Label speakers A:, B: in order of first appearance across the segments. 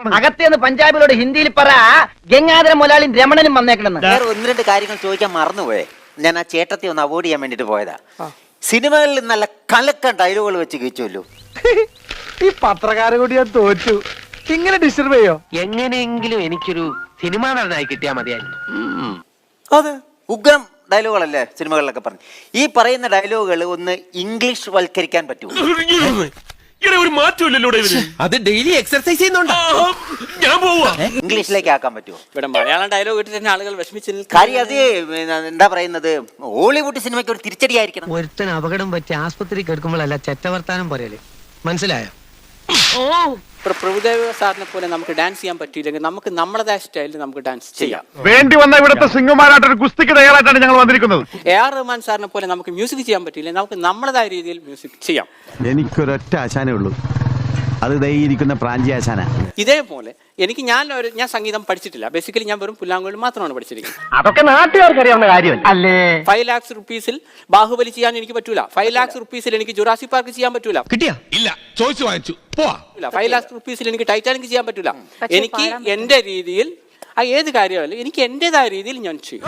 A: അകത്തേന്ന് പഞ്ചാബിലോട് ഹിന്ദിയിൽ പറ ഗംഗാധര മുതലാളിയും രമണനും വന്നേക്കണെന്ന്.
B: വേറെ ഒന്ന് രണ്ട് കാര്യങ്ങൾ ചോദിക്കാൻ മറന്നുപോയെ. ഞാൻ ആ ചേട്ടത്തെ ഒന്ന് അവോയ്ഡ് ചെയ്യാൻ വേണ്ടിട്ട് പോയതാ. സിനിമകളിൽ നല്ല കലക്കൻ ഡയലോഗുകൾ വെച്ച് കഴിച്ചല്ലോ.
C: ഈ പത്രക്കാരെ കൂടി ഞാൻ തോറ്റു. ഇങ്ങനെ ഡിസ്റ്റർബ് ചെയ്യോ?
D: എങ്ങനെയെങ്കിലും എനിക്കൊരു സിനിമാ നടനായി കിട്ടിയാൽ മതിയായിരുന്നു.
B: അതെ, ഉഗ്രം ഡയലോഗുകളല്ലേ സിനിമകളിലൊക്കെ പറഞ്ഞു. ഈ പറയുന്ന ഡയലോഗുകൾ ഒന്ന് ഇംഗ്ലീഷ് വൽക്കരിക്കാൻ പറ്റുമോ?
E: ഒരു മാറ്റമില്ലല്ലോ
D: അത് ഡെയിലി എക്സർസൈസ് ചെയ്യുന്നുണ്ടോ?
E: ഞാൻ പോവാ.
B: ഇംഗ്ലീഷിലേക്ക് ആക്കാൻ പറ്റുമോ?
F: ഇവിടെ മലയാളം ഡയലോഗ് ഇട്ടിട്ട് തന്നെ ആളുകൾ വിഷമിച്ച്
B: കാര്യം അത് എന്താ പറയുന്നത്, ഹോളിവുഡ് സിനിമയ്ക്ക് ഒരു തിരിച്ചടിയായിരിക്കണം.
D: ഒരുത്തൻ അപകടം പറ്റി ആസ്പത്രി കിടക്കുമ്പോഴല്ല ചെറ്റവർത്താനം പറയല്. മനസ്സിലായോ?
F: ഇപ്പോൾ പ്രഭുദേവ സാറിനെ പോലെ നമുക്ക് ഡാൻസ് ചെയ്യാൻ പറ്റിയില്ലെങ്കിൽ നമുക്ക് നമ്മുടേതായ സ്റ്റൈലിൽ നമുക്ക് ഡാൻസ് ചെയ്യാം.
G: വേണ്ടി വന്ന ഇവിടുത്തെ സിംഗമാരായിട്ടൊരു കുസ്തിക്ക് തയ്യാറായിട്ടാണ് ഞങ്ങൾ വന്നിരിക്കുന്നത്.
F: AR റഹ്മാൻ സാറിനെ പോലെ നമുക്ക് മ്യൂസിക് ചെയ്യാൻ പറ്റിയില്ലെങ്കിൽ നമുക്ക് നമ്മുടേതായ രീതിയിൽ മ്യൂസിക് ചെയ്യാം.
H: എനിക്കൊരൊറ്റ ആശാനേ ഉള്ളൂ, അത് ദൈയിരിക്കുന്ന പ്രാഞ്ചി ആശാന.
F: ഇതേപോലെ എനിക്ക് ഞാൻ സംഗീതം പഠിച്ചിട്ടില്ല. ബേസിക്കലി ഞാൻ വെറും പുല്ലാങ്കുഴൽ മാത്രമാണ് പഠിച്ചിരിക്കുന്നത്.
A: അതൊക്കെ നാട്ടുകാർക്ക് അറിയാവുന്ന കാര്യമല്ല അല്ലേ?
F: 5 lakhs rupees ബാഹുബലി ചെയ്യാൻ എനിക്ക് പറ്റൂല. 5 lakhs rupees എനിക്ക് ജുറാസി പാർക്ക് ചെയ്യാൻ പറ്റൂല.
E: കിട്ടിയാ? ഇല്ല, ചോദിച്ചു വാങ്ങിച്ചു. പോവാ.
F: 5 lakhs rupees എനിക്ക് ടൈറ്റാനിക് ചെയ്യാൻ പറ്റൂല. എനിക്ക് എന്റെ രീതിയിൽ ഏത് കാര്യമല്ല, എനിക്ക് എന്റേതായ രീതിയിൽ ഞാൻ ചെയ്യും.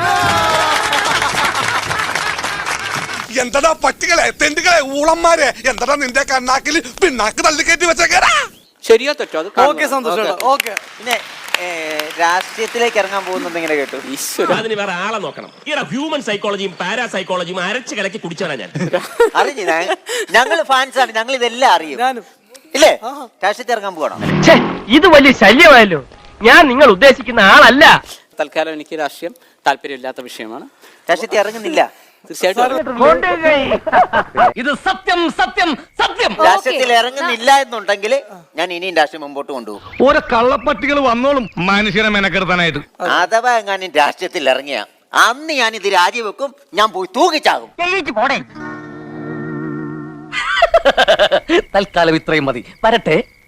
E: എന്താ പറ്റുകളെ, തെണ്ടുകളെ, ഊളന്മാരെ, എന്താ നിന്റെ കണ്ണാക്കിൽ പിണ്ണാക്ക് തള്ളിക്കയറ്റി വെച്ചേക്കാരാ?
F: ശരിയോ തെറ്റോ അത്
B: പിന്നെ രാഷ്ട്രീയത്തിലേക്ക് ഇറങ്ങാൻ പോകുന്നത് ഇങ്ങനെ കേട്ടു.
E: അതിന് വേറെ ആളെ നോക്കണം. ഹ്യൂമൻ സൈക്കോളജിയും പാരാസൈക്കോളജിയും അരച്ച് കലക്കി കുടിച്ചാണ് ഞാൻ.
B: അറിഞ്ഞു, ഞങ്ങൾ ഫാൻസാണ്, ഞങ്ങൾ ഇതെല്ലാം അറിയും. ഇല്ലേ? രാഷ്ട്രീയത്തിൽ ഇറങ്ങാൻ പോകണം.
A: ഇത് വലിയ ശല്യമായല്ലോ. ഞാൻ നിങ്ങൾ ഉദ്ദേശിക്കുന്ന ആളല്ല.
F: തൽക്കാലം എനിക്ക് രാഷ്ട്രീയം താല്പര്യമില്ലാത്ത വിഷയമാണ്.
B: രാഷ്ട്രീയത്തിൽ ഇറങ്ങുന്നില്ല.
F: തീർച്ചയായിട്ടും
A: ഇത് സത്യം സത്യം സത്യം.
B: രാഷ്ട്രീയത്തിൽ ഇറങ്ങുന്നില്ല എന്നുണ്ടെങ്കിൽ ഞാൻ ഇനിയും രാഷ്ട്രീയം മുമ്പോട്ട് കൊണ്ടുപോകും.
G: ഓരോ കള്ളപ്പട്ടികൾ വന്നോളും മനുഷ്യനെ മെനക്കെടുത്താനായിട്ട്.
B: അഥവാ എങ്ങാനും രാഷ്ട്രീയത്തിൽ ഇറങ്ങിയ അന്ന് ഞാൻ ഇത് രാജിവെക്കും, ഞാൻ പോയി തൂക്കിച്ചാകും.
A: തൽക്കാലം ഇത്രയും മതി. വരട്ടെ.